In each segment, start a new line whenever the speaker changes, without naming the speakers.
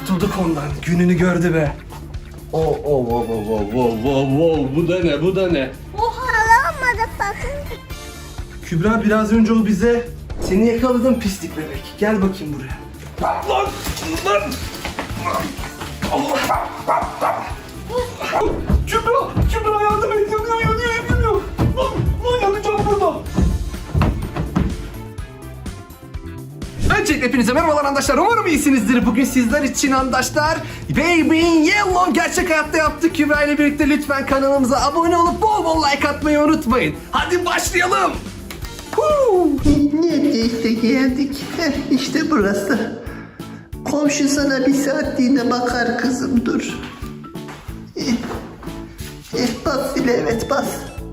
Kurtulduk ondan. Gününü gördü be. Oh, bu da ne, bu da ne?
Alamadı sakın.
Kübra biraz önce o bize seni yakaladım pislik bebek. Gel bakayım buraya. Lan! Kübra yardım et. Yanıyor. Lan yanacağım burada. Öncelikle hepinize merhabalar arkadaşlar. Umarım iyisinizdir. Bugün sizler için arkadaşlar Baby in Yellow gerçek hayatta yaptık. Kübra ile birlikte lütfen kanalımıza abone olup bol bol like atmayı unutmayın. Hadi başlayalım.
Neredeyse geldik. İşte burası. Komşu sana bir saatliğine bakar kızım, dur. Bas Zile, evet bas.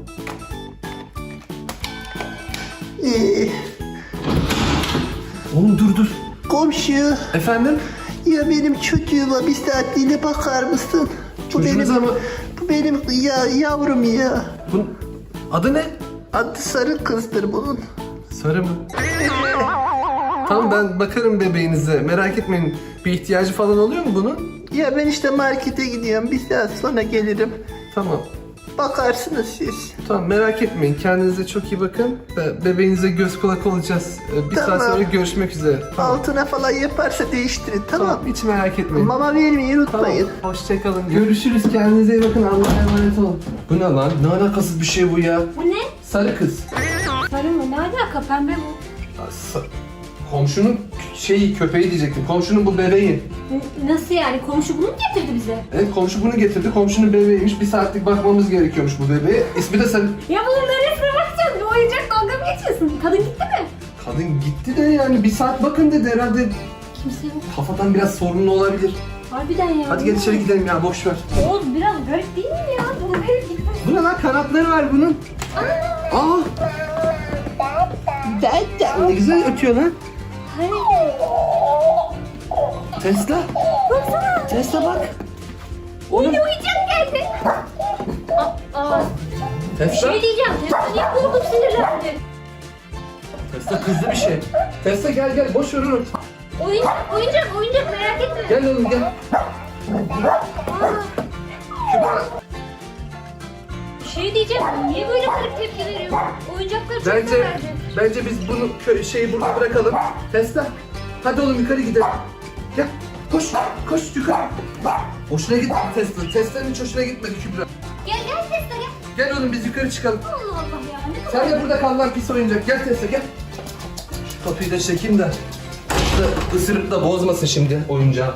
Oğlum dur.
Komşu,
Efendim?
ya benim çocuğuma bir saatliğine bakar mısın?
Çocuğunuza mı?
Bu benim yavrum ya.
Bunun adı ne?
Adı Sarı kızdır bunun.
Sarı mı? Tamam, ben bakarım bebeğinize. Merak etmeyin. Bir ihtiyacı falan oluyor mu bunun?
Ya ben işte markete gidiyorum, bir saat sonra gelirim.
Tamam.
Bakarsınız siz.
Tamam, merak etmeyin. Kendinize çok iyi bakın. Bebeğinize göz kulak olacağız. Bir saat
Tamam.
sonra görüşmek üzere. Tamam.
Altına falan yaparsa değiştirin, tamam.
Tamam, hiç merak etmeyin.
Mama vermeyi unutmayın.
Tamam, hoşçakalın. Görüşürüz. Kendinize iyi bakın. Allah'a emanet olun. Bu ne lan? Ne alakasız bir şey bu ya?
Bu ne?
Sarı kız.
Sarı mı? Ne alaka? Pembe bu.
Komşunun köpeği diyecektim. Komşunun bu bebeği.
Nasıl yani? Komşu bunu mu getirdi bize?
Evet, komşu bunu getirdi. Komşunun bebeğiymiş. Bir saatlik bakmamız gerekiyormuş bu bebeğe. İsmi de Sarı.
Ya bunun neresine bakacağız? Bir oyuncak dalga mı geçiyorsun? Kadın gitti mi?
Kadın gitti de yani bir saat bakın dedi herhalde.
Kimse yok.
Kafadan biraz sorunlu olabilir.
Harbiden ya.
Hadi gel içeri gidelim ya, boş ver.
Oğuz biraz garip değil mi ya? Bunu verip gitmez.
Bu ne lan, kanatları var bunun. Aa, ne güzel ötüyor lan.
Hani?
Tesla.
Baksana.
Tesla bak.
Oyuncak geldi. Aa. Bir
Tesla.
şey diyeceğim. Tesla niye korkup sinirlendi?
Tesla kızdı bir şey. Tesla gel boş ver onu.
Oyuncak merak etme.
Gel oğlum gel.
Aa.
Kübra.
Bir şey diyeceğim. Niye böyle garip tepki veriyor? Oyuncakları çok
Bence biz bunu burada bırakalım. Tesla. Hadi oğlum yukarı gidelim. Gel. Koş yukarı. Hoşuna gitti Tesla. Tesla'nın hiç hoşuna gitmedi Kübra.
Gel Tesla gel.
Gel oğlum biz yukarı çıkalım.
Allah Allah ya. Ne kadar...
Sen de burada kal lan pis oyuncak. Gel Tesla gel. Şu kapıyı da çekeyim de. Isırıp da bozmasın şimdi oyuncağı.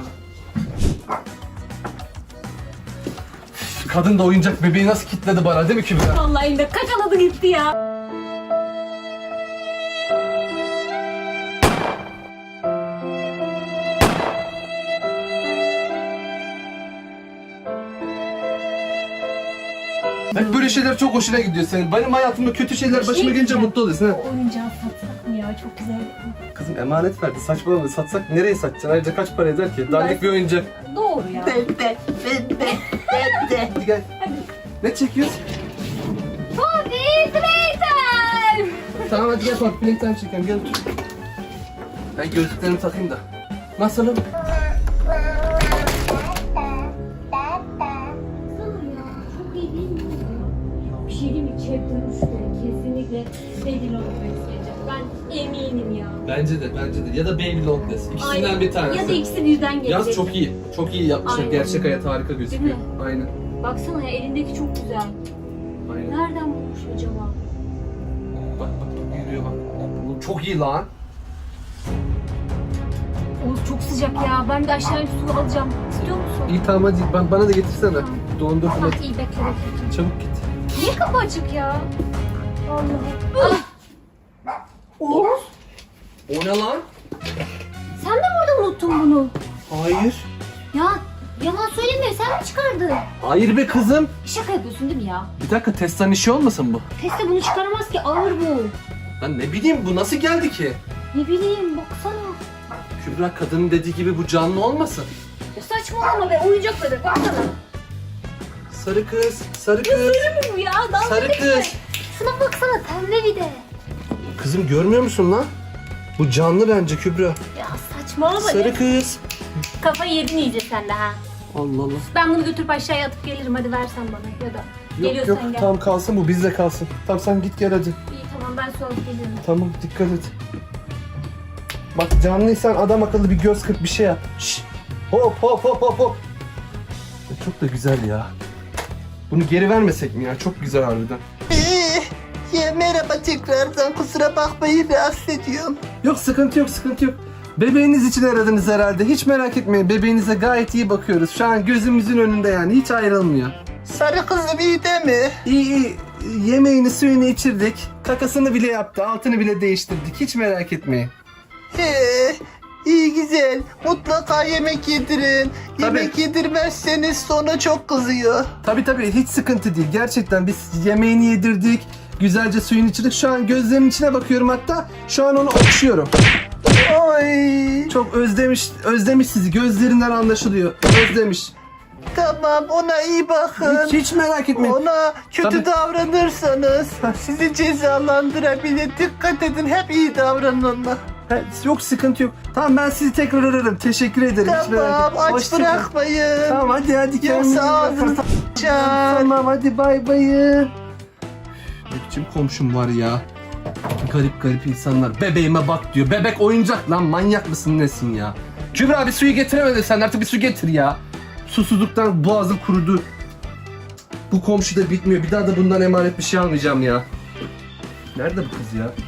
Kadın da oyuncak bebeği nasıl kilitledi bana, değil mi Kübra?
Vallahi elinde kakaladı gitti ya.
Hep böyle şeyler çok hoşuna gidiyor senin. Benim hayatımda kötü şeyler başıma gelince mutlu oluyorsun. Ha?
O oyuncağı satsak mı ya? Çok güzel.
Kızım emanet verdi, saçmalama. Satsak nereye satacaksın? Ayrıca kaç para eder ki? Dandik bir oyuncak.
Doğru ya.
Ben de.
Hadi gel. Ne çekiyorsun?
Poppy Playtime.
Tamam hadi gel bak, playtime çekelim, gel otur. Ben gözlüklerimi takayım da. Nasılım?
Çok iyi değil mi? Bir şey diyeyim mi? Chapter 3'te kesinlikle Baby Longlegs gelecek. Ben eminim ya.
Bence de. Ya da Baby Longlegs. İkisinden bir tanesi.
Ya da ikisi birden gelecek.
Yaz çok iyi. Çok iyi yapmışlar.
Aynen.
Gerçek hayat harika gözüküyor.
Değil mi?
Aynen.
Baksana ya, elindeki çok güzel.
Aynen.
Nereden bulmuş acaba?
Bak yürüyor bak. Bu çok iyi lan.
Oğuz çok sıcak ya. Ben de aşağıya su alacağım. İstiyor musun?
İyi tamam hadi. Bana da getirsene. Dondurdum
Tamam
hadi.
iyi bekle.
Çabuk git.
Niye kapı açık ya? Allah. Oğuz,
O ne lan?
sen de burada unuttun bunu.
Hayır.
Ya yalan söyleme, sen mi çıkardın?
Hayır be kızım.
Şaka yapıyorsun değil mi ya?
Bir dakika, Tesla'nın işi olmasın bu?
Tesla bunu çıkaramaz ki, ağır bu.
Lan ne bileyim, bu nasıl geldi ki?
Ne bileyim, baksana.
Kübra, kadının dediği gibi bu canlı olmasın.
Ya saçmalama be, oyuncakları baksana.
Sarı kız.
Sarı mı bu ya? Dalga
Sarı
geçme.
kız.
Şuna baksana, pembe bir de.
Kızım görmüyor musun lan? Bu canlı bence Kübra.
Ya saçmalama.
Sarı kız.
Kafayı yedin iyice sen de ha.
Allah Allah.
Ben bunu götürüp aşağıya atıp gelirim, hadi versen bana ya da. Geliyorsan gel.
Tamam kalsın bu bizde kalsın. Tamam sen git gel hadi.
İyi tamam, ben su alıp gelirim.
Tamam dikkat et. Bak canlıysan adam akıllı bir göz kırp bir şey yap. Şşş. Hop hop hop hop hop. Çok da güzel ya. Bunu geri vermesek mi ya? Çok güzel harbiden.
Ya merhaba tekrardan, kusura bakmayın rahatsız ediyorum.
Yok sıkıntı yok sıkıntı yok. Bebeğiniz için aradınız herhalde. Hiç merak etmeyin. Bebeğinize gayet iyi bakıyoruz. Şu an gözümüzün önünde yani. Hiç ayrılmıyor.
Sarı kızım iyi değil mi?
İyi iyi. Yemeğini suyunu içirdik. Kakasını bile yaptı. Altını bile değiştirdik. Hiç merak etmeyin.
He, iyi güzel. Mutlaka yemek yedirin. Yemek
Tabii.
yedirmezseniz sonra çok kızıyor.
Tabii hiç sıkıntı değil. Gerçekten biz yemeğini yedirdik. Güzelce suyunu içirdik. Şu an gözlerinin içine bakıyorum hatta. Şu an onu okşuyorum.
Ay.
Çok özlemiş sizi. Gözlerinden anlaşılıyor. Özlemiş.
Tamam, ona iyi bakın.
Hiç merak etmeyin.
Ona kötü
Tabii.
davranırsanız sizi cezalandırabilir. Dikkat edin, hep iyi davranın ona.
Yok sıkıntı yok. Tamam ben sizi tekrar ararım. Teşekkür ederim. Hiç merak
Tamam,
etmeyin.
aç
Hoşça kalın.
bırakmayın.
Tamam hadi kendinize iyi
Yoksa
bakın.
ağzınızı açar.
Tamam hadi bay bayı. Ne biçim komşum var ya. Garip insanlar. Bebeğime bak diyor. Bebek oyuncak lan, manyak mısın nesin ya? Kübra bir suyu getiremedin sen, artık bir su getir ya. Susuzluktan boğazım kurudu. Bu komşu da bitmiyor. Bir daha da bundan emanet bir şey almayacağım ya. Nerede bu kız ya?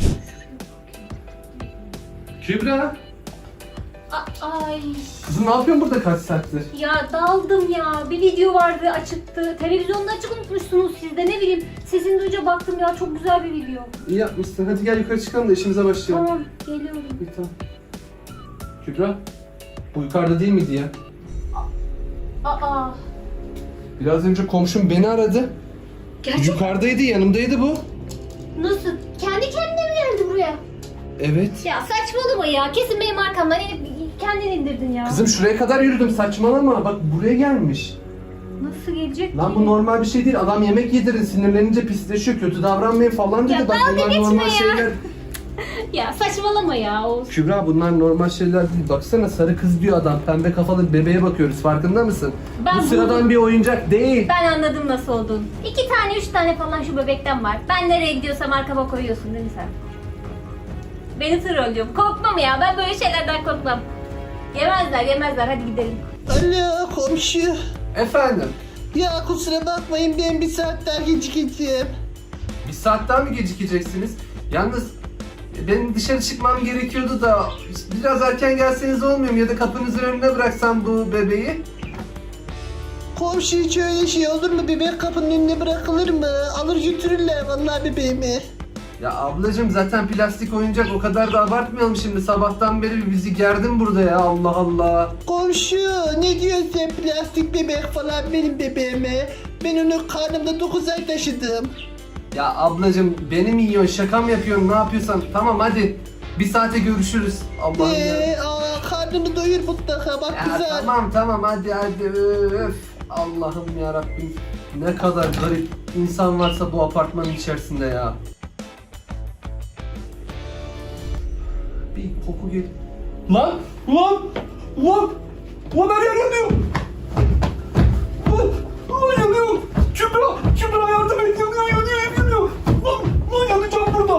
Kübra.
Ay.
Kızım ne yapıyorsun burada kaç saattir?
Ya daldım ya. Bir video vardı açıktı. Televizyonda açık unutmuşsunuz siz de, ne bileyim. Sesini duyunca baktım ya, çok güzel bir video.
İyi yapmışsın. Hadi gel yukarı çıkalım da işimize başlayalım.
Tamam geliyorum.
İyi tamam. Kübra. Bu yukarıda değil miydi ya?
Aa.
Biraz önce komşum beni aradı.
Gerçekten
Yukarıdaydı, yanımdaydı bu.
nasıl? Kendi kendine mi geldi buraya?
Evet.
Ya saçmalama ya. Kesin benim arkamdan inip kendin indirdin ya.
Kızım şuraya kadar yürüdüm, saçmalama. Bak buraya gelmiş.
Nasıl gelecek
Lan
ki?
bu normal bir şey değil. Adam yemek yedirin, sinirlenince pisleşiyor, kötü davranmayın falan dedi.
Ya
Bak
dalga
bunlar
geçme
normal
ya.
şeyler.
Ya saçmalama ya. O...
Kübra bunlar normal şeyler değil. Baksana sarı kız diyor adam. Pembe kafalı bir bebeğe bakıyoruz. Farkında mısın?
Ben
bu sıradan
buldum.
bir oyuncak değil.
Ben anladım nasıl olduğunu. 2 tane 3 tane falan şu bebekten var. Ben nereye gidiyorsam arkama koyuyorsun değil mi sen? Beni trollüyor. Korkmam ya. Ben böyle şeylerden korkmam. Yemezler. Hadi gidelim.
Alo komşu.
Efendim?
Ya kusura bakmayın, ben bir saat daha gecikeceğim.
Bir saat daha mı gecikeceksiniz? Yalnız benim dışarı çıkmam gerekiyordu da biraz erken gelseniz olmuyor mu? Ya da kapınızın önüne bıraksam bu bebeği.
Komşu hiç öyle şey olur mu? Bebek kapının önüne bırakılır mı? Alır götürürler vallahi bebeğimi.
Ya ablacığım zaten plastik oyuncak, o kadar da abartmayalım şimdi. Sabahtan beri bizi gerdin burada ya, Allah Allah.
Komşu ne diyorsun sen, plastik bebek falan benim bebeğime? Ben onu karnımda 9 ay taşıdım.
Ya ablacığım beni mi yiyorsun, şaka mı yapıyorsun, ne yapıyorsan? Tamam hadi bir saate görüşürüz. Allah'ım ya.
Karnını doyur mutlaka bak
Ya
güzel.
tamam hadi öf. Allah'ım ya Rabbim. Ne kadar garip insan varsa bu apartmanın içerisinde ya. Bir koku gel. Lan her yer yanıyor. Lan yanıyor. Kübra yardım et, yanıyor. Lan yanacağım burada.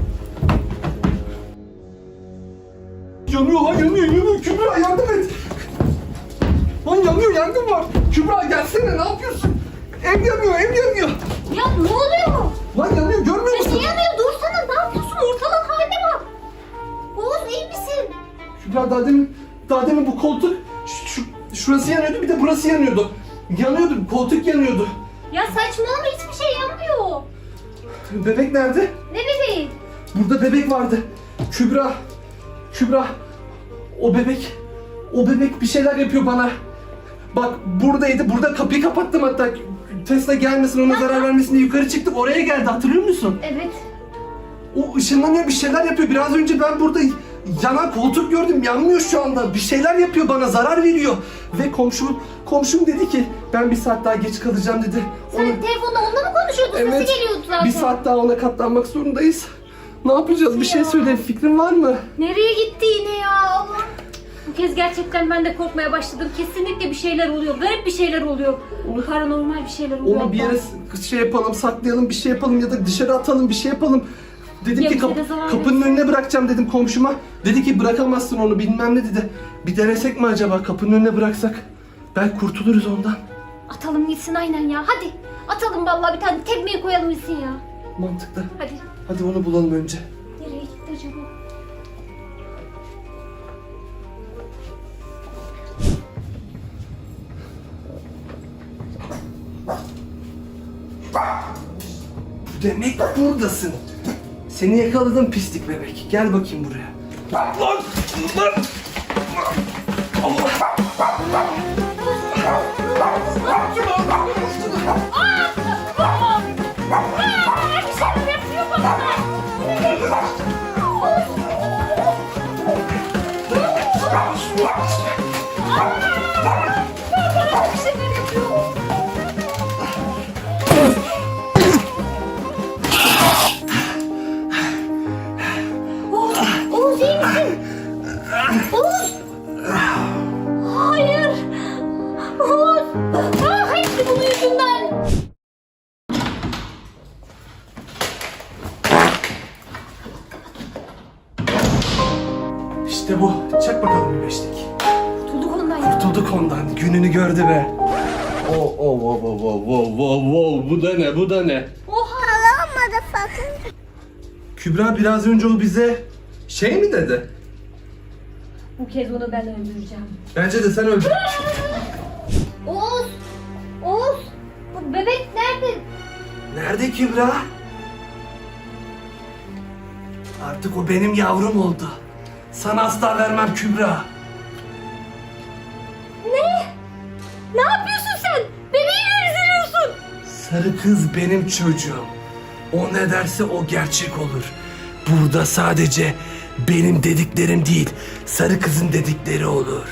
Yanıyor Kübra yardım et. Lan yanıyor, yangın var. Kübra gelsene, ne yapıyorsun? Ev yanıyor.
Ya ne oluyor?
Lan yanıyor, görmüyor
Ya
musun?
şey yanıyor, dursana, ne yapıyorsun? Ortalığın haline bak. Oğuz iyi misin?
Kübra daha demin bu koltuk şurası yanıyordu, bir de burası yanıyordu. Koltuk yanıyordu.
Ya saçmalama, hiçbir şey yanmıyor.
Bebek nerede?
Ne bebeği?
Burada bebek vardı. Kübra. O bebek bir şeyler yapıyor bana. Bak buradaydı. Burada kapıyı kapattım hatta. Tesla gelmesin, ona zarar vermesin diye yukarı çıktık. Oraya geldi, hatırlıyor musun?
Evet.
O ışınlanıyor, bir şeyler yapıyor. Biraz önce ben burada yanan koltuk gördüm. Yanmıyor şu anda. Bir şeyler yapıyor bana, zarar veriyor. Ve komşum dedi ki ben bir saat daha geç kalacağım dedi.
Sen telefonda onunla mı konuşuyordun?
Evet.
Sesi geliyordu zaten.
Bir saat daha ona katlanmak zorundayız. Ne yapacağız? Bir şey
Ya.
söyle. Fikrin var mı?
Nereye gitti yine ya? Allah. Bu kez gerçekten ben de korkmaya başladım. Kesinlikle bir şeyler oluyor. Garip bir şeyler oluyor. Paranormal bir şeyler oluyor.
Onu bir yere şey yapalım, saklayalım, bir şey yapalım ya da dışarı atalım, bir şey yapalım. Dedim
Ya
ki
bize de zarar
kapının
versin.
önüne bırakacağım dedim komşuma. Dedi ki bırakamazsın onu bilmem ne dedi. Bir denesek mi acaba kapının önüne bıraksak? Belki kurtuluruz ondan.
Atalım gitsin aynen ya. Hadi. Atalım vallahi bir tane tekmeyi koyalım gitsin ya.
Mantıklı.
Hadi.
Hadi onu bulalım önce.
Nereye gitti acaba?
Demek buradasın. Seni yakaladım pislik bebek. Gel bakayım buraya. Lan! Lan!
Bir şeyler yapıyor bana. Bir şeyler yapıyor. Oğuz iyi misin? Oğuz! Hayır! Oğuz! Hepsi bunun yüzünden!
İşte bu. Çak bakalım bir beşlik.
Kurtulduk ondan ya.
Tulduk ondan. Gününü gördü be. Bu da ne? Bu da ne?
Hello motherfucker.
Kübra biraz önce o bize şey mi dedi?
Bu kez onu ben öldüreceğim.
Bence de sen öldür.
Oğuz! Oğuz! Bu bebek nerede?
Nerede Kübra? Artık o benim yavrum oldu. Sana asla vermem Kübra.
Ne yapıyorsun sen? Bebeği mi üzülüyorsun?
Sarı kız benim çocuğum. O ne derse o gerçek olur. Burada sadece benim dediklerim değil, sarı kızın dedikleri olur.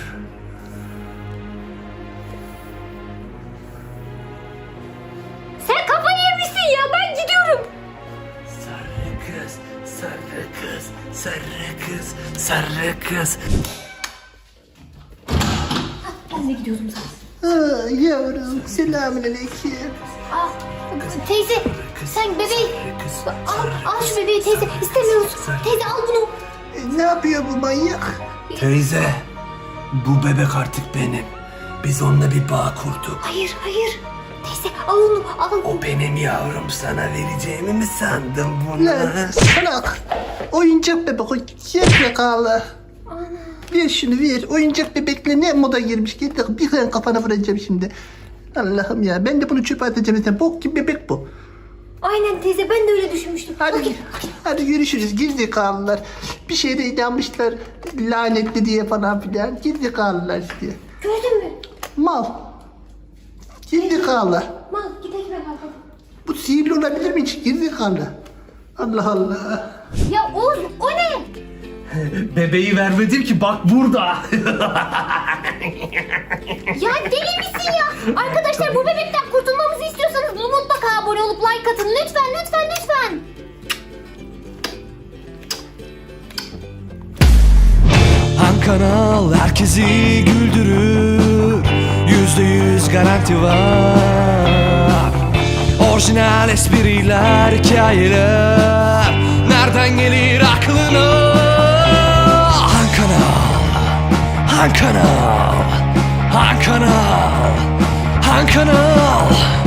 Sen kafayı yemişsin ya, ben gidiyorum.
Sarı kız, sarı kız, sarı kız, sarı kız.
Ben de gidiyorum zaten.
Yavrum selamünaleyküm.
Teyze, sen bebeği... Al şu bebeği teyze, istemiyoruz. Teyze al bunu.
Ne yapıyor bu manyak?
Teyze, bu bebek artık benim. Biz onunla bir bağ kurduk.
Hayır, hayır. Teyze al onu, al.
O benim yavrum, sana vereceğimi mi sandın bunu?
Lan salak. Oyuncak bebek o gerizekalı. Ver şunu ver. Oyuncak bebekle ne moda girmiş. Getir bir tane kafana vuracağım şimdi. Allah'ım ya ben de bunu çöpe atacağım. Sen bok gibi bebek bu.
Aynen teyze, ben de öyle düşünmüştüm.
Hadi, hadi görüşürüz gerizekalılar. Bir şeyde inanmışlar lanetli diye falan filan. Gerizekalılar işte.
Gördün mü?
Mal. Gerizekalılar.
Mal, gidelim hemen.
Bu sihirli olabilir mi hiç? Gerizekalı. Allah Allah.
Ya Oğuz, o ne?
Bebeği vermedim ki, bak burada.
Ya deli misin ya? Arkadaşlar bu bebekten kurtulmamızı istiyorsanız mutlaka abone olup like atın. Lütfen, lütfen, lütfen.
Han kanal herkesi güldürür, %100 garanti var. Orijinal espriler, hikayeler, nereden gelir aklına? Han kanal, Han kanal, Han kanal, Han kanal.